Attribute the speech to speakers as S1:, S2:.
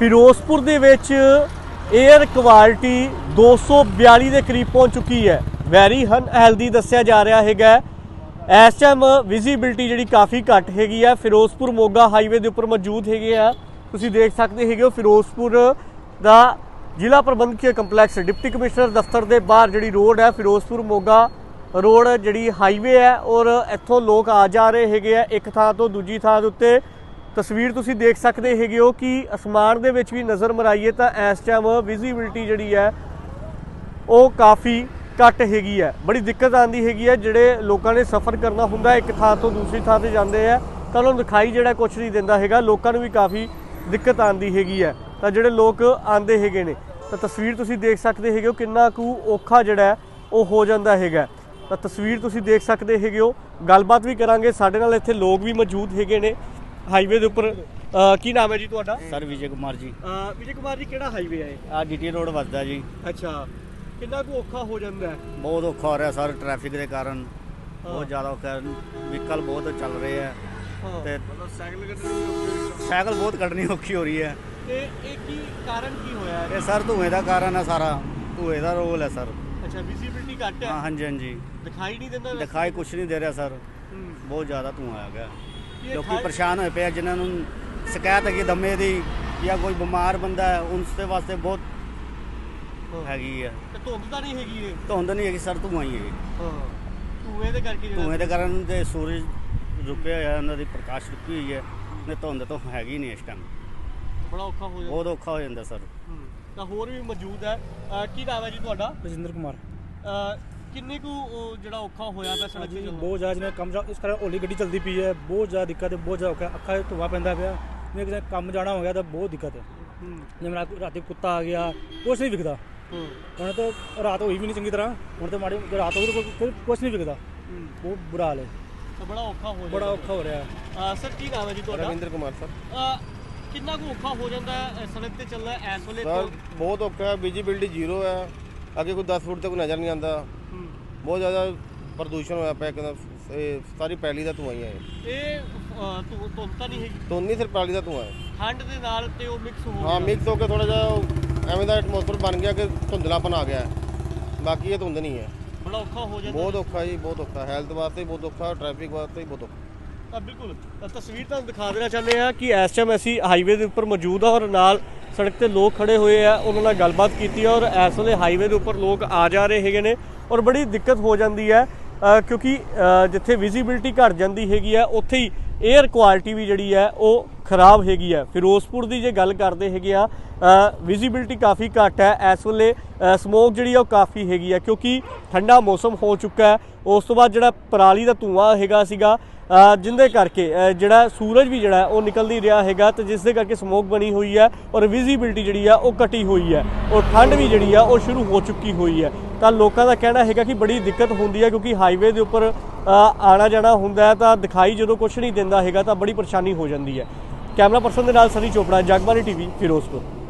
S1: ਫਿਰੋਜ਼ਪੁਰ ਦੇ ਵਿੱਚ air quality 242 ਦੇ ਕਰੀਬ ਪਹੁੰਚ ਚੁੱਕੀ ਹੈ। ਵੈਰੀ ਅਨਹੈਲਦੀ ਦੱਸਿਆ ਜਾ ਰਿਹਾ ਹੈਗਾ। ਇਸ ਟਾਈਮ ਵਿਜ਼ੀਬਿਲਟੀ ਜਿਹੜੀ ਕਾफ़ी ਘੱਟ ਹੈਗੀ ਆ। ਫਿਰੋਜ਼ਪੁਰ ਮੋਗਾ ਹਾਈਵੇ ਦੇ ਉੱਪਰ ਮੌਜੂਦ ਹੈਗੇ ਆ। ਤੁਸੀਂ ਦੇਖ ਸਕਦੇ ਹੈਗੇ ਹੋ ਫਿਰੋਜ਼ਪੁਰ ਦਾ ਜ਼ਿਲ੍ਹਾ ਪ੍ਰਬੰਧਕੀ ਕੰਪਲੈਕਸ ਡਿਪਟੀ ਕਮਿਸ਼ਨਰ ਦਫ਼ਤਰ ਦੇ ਬਾਹਰ ਜਿਹੜੀ ਰੋਡ ਹੈ ਫਿਰੋਜ਼ਪੁਰ ਮੋਗਾ ਰੋਡ ਜਿਹੜੀ ਹਾਈਵੇ ਹੈ ਔਰ ਇੱਥੋਂ ਲੋਕ ਆ ਜਾ ਰਹੇ ਹੈਗੇ ਆ ਇੱਕ ਥਾਂ ਤੋਂ ਦੂਜੀ ਥਾਂ ਦੇ ਉੱਤੇ। ਤਸਵੀਰ ਤੁਸੀਂ ਦੇਖ ਸਕਦੇ ਹੈਗੇ ਹੋ ਕਿ ਅਸਮਾਨ ਦੇ ਵਿੱਚ ਵੀ ਨਜ਼ਰ ਮਰਾਈਏ ਤਾਂ ਇਸ ਟਾਈਮ ਵਿਜ਼ੀਬਿਲਟੀ ਜਿਹੜੀ ਹੈ ਉਹ ਕਾफ़ी ਘੱਟ ਹੈਗੀ ਹੈ। ਬੜੀ ਦਿੱਕਤ ਆਉਂਦੀ ਹੈਗੀ ਹੈ। ਜਿਹੜੇ ਲੋਕਾਂ ਨੇ ਸਫ਼ਰ ਕਰਨਾ ਹੁੰਦਾ ਇੱਕ ਥਾਂ ਤੋਂ ਦੂਸਰੀ ਥਾਂ 'ਤੇ ਜਾਂਦੇ ਆ ਤਾਂ ਉਹਨਾਂ ਨੂੰ ਦਿਖਾਈ ਜਿਹੜਾ ਕੁਛ ਨਹੀਂ ਦਿੰਦਾ ਹੈਗਾ। ਲੋਕਾਂ ਨੂੰ ਵੀ ਕਾफ़ी ਦਿੱਕਤ ਆਉਂਦੀ ਹੈਗੀ ਹੈ। ਤਾਂ ਜਿਹੜੇ ਲੋਕ ਆਉਂਦੇ ਹੈਗੇ ਨੇ ਤਾਂ ਤਸਵੀਰ ਤੁਸੀਂ ਦੇਖ ਸਕਦੇ ਹੈਗੇ ਹੋ ਕਿੰਨਾ ਕੁ ਔਖਾ ਜਿਹੜਾ ਉਹ ਹੋ ਜਾਂਦਾ ਹੈਗਾ। ਤਾਂ ਤਸਵੀਰ ਤੁਸੀਂ ਦੇਖ ਸਕਦੇ ਹੈਗੇ ਹੋ। ਗੱਲਬਾਤ ਵੀ ਕਰਾਂਗੇ। ਸਾਡੇ ਨਾਲ ਇੱਥੇ ਲੋਕ ਵੀ ਮੌਜੂਦ ਹੈਗੇ ਨੇ ਹਾਈਵੇ ਦੇ ਉੱਪਰ। ਕੀ ਨਾਮ ਹੈ ਜੀ ਤੁਹਾਡਾ?
S2: ਸਰ ਵਿਜੇ ਕੁਮਾਰ ਜੀ।
S1: ਵਿਜੇ ਕੁਮਾਰ ਜੀ, ਕਿਹੜਾ ਹਾਈਵੇ ਹੈ?
S2: ਆ ਡੀਟੀ ਰੋਡ ਵੱਜਦਾ ਜੀ।
S1: ਅੱਛਾ, ਕਿੰਨਾ ਕੁ ਔਖਾ ਹੋ ਜਾਂਦਾ ਹੈ?
S2: ਬਹੁਤ ਔਖਾ ਹੋ ਰਿਹਾ ਸਰ, ਟ੍ਰੈਫਿਕ ਦੇ ਕਾਰਨ ਬਹੁਤ ਜ਼ਿਆਦਾ ਔਖਾ। ਵਹੀਕਲ ਬਹੁਤ ਚੱਲ ਰਹੇ ਆ ਤੇ ਸਾਈਕਲ ਬਹੁਤ ਕੱਢਣੀ ਔਖੀ ਹੋ ਰਹੀ ਹੈ।
S1: ਤੇ ਇਹ ਕੀ ਕਾਰਨ ਕੀ ਹੋਇਆ ਹੈ?
S2: ਇਹ ਸਰ ਧੂਏ ਦਾ ਕਾਰਨ ਹੈ, ਸਾਰਾ ਧੂਏ ਦਾ ਰੋਲ ਹੈ ਸਰ।
S1: ਅੱਛਾ, ਵਿਜ਼ੀਬਿਲਟੀ ਘੱਟ ਹੈ।
S2: ਹਾਂ ਹਾਂਜੀ ਹਾਂਜੀ,
S1: ਦਿਖਾਈ ਨਹੀਂ ਦਿੰਦਾ।
S2: ਦਿਖਾਈ ਕੁਛ ਨਹੀਂ ਦੇ ਰਿਹਾ ਸਰ। ਬਹੁਤ ਜ਼ਿਆਦਾ ਧੂਆ ਆ ਗਿਆ। ਲੋਕੀ ਪਰੇਸ਼ਾਨ ਹੋਏ ਪਏ, ਜਿਨ੍ਹਾਂ ਨੂੰ ਸ਼ਿਕਾਇਤ ਹੈਗੀ ਦਮੇ ਦੀ ਜਾਂ ਕੋਈ ਬਿਮਾਰ ਬੰਦਾ ਹੈ ਉਸ ਦੇ ਵਾਸਤੇ ਬਹੁਤ ਹੈਗੀ ਹੈ।
S1: ਤੇ ਧੁੰਦ ਤਾਂ ਨਹੀਂ ਹੈਗੀ? ਇਹ
S2: ਧੁੰਦ ਨਹੀਂ ਹੈਗੀ ਸਰ, ਧੂਆ ਹੀ ਹੈ।
S1: ਧੂਏ ਦੇ ਕਰਕੇ
S2: ਧੂਏ ਦੇ ਕਾਰਨ ਤੇ ਸੂਰਜ ਰੁਕਿਆ ਹੋਇਆ, ਉਹਨਾਂ ਦੀ ਪ੍ਰਕਾਸ਼ ਰੁਕੀ ਹੋਈ ਹੈ। ਨੇ ਧੁੰਦ ਤਾਂ ਹੈਗੀ ਨਹੀਂ ਇਸ ਟਾਈਮ।
S1: ਬੜਾ ਔਖਾ ਹੋ ਜਾਂਦਾ।
S2: ਬਹੁਤ ਔਖਾ ਹੋ ਜਾਂਦਾ ਸਰ।
S1: ਤਾਂ ਹੋਰ ਵੀ ਮੌਜੂਦ ਹੈ। ਕੀ ਨਾਮ ਹੈ ਜੀ ਤੁਹਾਡਾ?
S3: ਰਜਿੰਦਰ ਕੁਮਾਰ।
S1: ਕਿੰਨੇ ਕੁ ਜਿਹੜਾ ਔਖਾ ਹੋਇਆ ਪਿਆ ਸੜਕ ਤੇ?
S3: ਬਹੁਤ ਜ਼ਿਆਦਾ, ਜਿਵੇਂ ਕੰਮ ਇਸ ਕਰਕੇ ਹੌਲੀ ਗੱਡੀ ਚੱਲਦੀ ਪਈ ਹੈ। ਬਹੁਤ ਜ਼ਿਆਦਾ ਦਿੱਕਤ ਹੈ, ਬਹੁਤ ਜ਼ਿਆਦਾ ਔਖਾ। ਅੱਖਾਂ 'ਚ ਧੂੰਆਂ ਪੈਂਦਾ ਪਿਆ। ਜਿਵੇਂ ਕਿਸੇ ਕੰਮ ਜਾਣਾ ਹੋ ਗਿਆ ਤਾਂ ਬਹੁਤ ਦਿੱਕਤ ਹੈ। ਜਿਵੇਂ ਰਾਤੀ ਕੁੱਤਾ ਆ ਗਿਆ, ਕੁਛ ਨਹੀਂ ਵਿਕਦਾ। ਹੁਣ ਤਾਂ ਰਾਤ ਹੋਈ ਵੀ ਨਹੀਂ ਚੰਗੀ ਤਰ੍ਹਾਂ। ਹੁਣ ਤਾਂ ਮਾੜੀ ਰਾਤ ਹੋ ਗਈ, ਕੁਛ ਨਹੀਂ ਵਿਕਦਾ। ਬਹੁਤ ਬੁਰਾ ਹਾਲ ਹੈ।
S1: ਬੜਾ ਔਖਾ ਹੋ
S3: ਬੜਾ ਔਖਾ ਹੋ ਰਿਹਾ।
S1: ਸਰ ਕੀ ਨਾਮ ਹੈ ਜੀ ਤੁਹਾਡਾ?
S4: ਰਵਿੰਦਰ ਕੁਮਾਰ ਸਰ।
S1: ਕਿੰਨਾ ਕੁ ਔਖਾ ਹੋ ਜਾਂਦਾ ਹੈ ਸੜਕ ਤੇ ਚੱਲਣਾ ਇਸ ਵੇਲੇ?
S4: ਸਰ ਬਹੁਤ ਔਖਾ ਹੈ। ਵਿਜ਼ੀਬਿਲਟੀ ਜ਼ੀਰੋ ਹੈ। ਅੱਗੇ ਕੋਈ 10 ਫੁੱਟ ਤੱਕ ਨਜ਼ਰ ਨਹੀਂ ਆਉਂਦਾ। ਬਹੁਤ ਜ਼ਿਆਦਾ ਪ੍ਰਦੂਸ਼ਣ ਹੋਇਆ ਪਿਆ। ਇਹ ਸਾਰੀ ਪੈਲੀ ਦਾ ਧੂੰਆਂ ਹੀ ਹੈ।
S1: ਇਹ ਧੁੰਦ ਤਾਂ ਨਹੀਂ ਹੈਗੀ?
S4: ਧੁੰਦ ਨਹੀਂ, ਸਿਰਫ ਪੈਲੀ ਦਾ ਧੂੰਆਂ ਹੈ।
S1: ਠੰਡ ਦੇ ਨਾਲ ਤੇ ਉਹ ਮਿਕਸ ਹੋ
S4: ਹਾਂ, ਮਿਕਸ ਹੋ ਕੇ ਥੋੜਾ ਜਿਹਾ ਐਵੇਂ ਦਾ ਐਟਮੋਸਫੇਅਰ ਬਣ ਗਿਆ ਕਿ ਧੁੰਦਲਾਪਨ ਆ ਗਿਆ। ਬਾਕੀ ਇਹ ਧੁੰਦ ਨਹੀਂ ਹੈ।
S1: ਬੜਾ ਔਖਾ ਹੋ ਜਾਂਦਾ।
S4: ਬਹੁਤ ਔਖਾ ਜੀ, ਬਹੁਤ ਔਖਾ। ਹੈਲਥ ਵਾਸਤੇ ਬਹੁਤ ਔਖਾ, ਟ੍ਰੈਫਿਕ ਵਾਸਤੇ ਬਹੁਤ ਔਖਾ।
S1: ਤਾਂ ਬਿਲਕੁਲ ਤਸਵੀਰ ਤੁਹਾਨੂੰ ਦਿਖਾ ਦੇਣਾ ਚਾਹੁੰਦੇ ਹਾਂ ਕਿ ਇਸ ਟਾਈਮ ਅਸੀਂ ਹਾਈਵੇ ਦੇ ਉੱਪਰ ਮੌਜੂਦ ਆ ਔਰ ਨਾਲ ਸੜਕ ਤੇ ਲੋਕ ਖੜੇ ਹੋਏ ਆ। ਉਹਨਾਂ ਨਾਲ ਗੱਲਬਾਤ ਕੀਤੀ ਔਰ ਇਸ ਵੇਲੇ ਹਾਈਵੇ ਦੇ ਉੱਪਰ ਲੋਕ ਆ ਜਾ ਰਹੇ ਹੈਗੇ ਨੇ ਔਰ ਬੜੀ ਦਿੱਕਤ ਹੋ ਜਾਂਦੀ ਹੈ ਕਿਉਂਕਿ ਜਿੱਥੇ ਵਿਜ਼ੀਬਿਲਟੀ ਘੱਟ ਜਾਂਦੀ ਹੈਗੀ ਆ ਉੱਥੇ ਹੀ 에ਅਰ ਕੁਆਲਿਟੀ ਵੀ ਜਿਹੜੀ ਹੈ ਉਹ ਖਰਾਬ ਹੈਗੀ ਆ। ਫਿਰੋਜ਼ਪੁਰ ਦੀ ਜੇ ਗੱਲ ਕਰਦੇ ਹੈਗੇ ਆ, ਵਿਜ਼ੀਬਿਲਟੀ ਕਾफ़ी ਘੱਟ ਹੈ ਇਸ ਵੇਲੇ। ਸਮੋਕ ਜਿਹੜੀ ਆ ਉਹ ਕਾफ़ੀ ਹੈਗੀ ਆ ਕਿਉਂਕਿ ਠੰਡਾ ਮੌਸਮ ਹੋ ਚੁੱਕਾ ਹੈ। ਉਸ ਤੋਂ ਬਾਅਦ ਜਿਹੜਾ ਪਰਾਲੀ ਦਾ ਧੂੰਆਂ ਹੈਗਾ ਸੀਗਾ ਜਿੰਦੇ ਕਰਕੇ ਜਿਹੜਾ ਸੂਰਜ ਵੀ ਜਿਹੜਾ ਉਹ ਨਿਕਲ ਨਹੀਂ ਰਿਹਾ ਹੈਗਾ ਤੇ ਜਿਸ ਦੇ ਕਰਕੇ ਸਮੋਕ ਬਣੀ ਹੋਈ ਹੈ ਔਰ ਵਿਜ਼ੀਬਿਲਟੀ ਜਿਹੜੀ ਆ ਉਹ ਘਟੀ ਹੋਈ ਹੈ ਔਰ ਠੰਡ ਵੀ ਜਿਹੜੀ ਆ ਉਹ ਸ਼ੁਰੂ ਹੋ ਚੁੱਕੀ ਹੋਈ ਹੈ। ਤਾਂ ਲੋਕਾਂ ਦਾ ਕਹਿਣਾ ਹੈਗਾ ਕਿ ਬੜੀ ਦਿੱਕਤ ਹੁੰਦੀ ਹੈ ਕਿਉਂਕਿ ਹਾਈਵੇ ਦੇ ਉੱਪਰ ਆਣਾ ਜਾਣਾ ਹੁੰਦਾ ਹੈ ਤਾਂ ਦਿਖਾਈ ਜਦੋਂ ਕੁਛ ਨਹੀਂ ਦਿੰਦਾ ਹੈਗਾ ਤਾਂ ਬੜੀ ਪਰੇਸ਼ਾਨੀ ਹੋ ਜਾਂਦੀ ਹੈ। ਕੈਮਰਾ ਪਰਸਨ ਦੇ ਨਾਲ ਸਨੀ ਚੋਪੜਾ, ਜਗਬਾਣੀ ਟੀਵੀ, ਫਿਰੋਜ਼ਪੁਰ।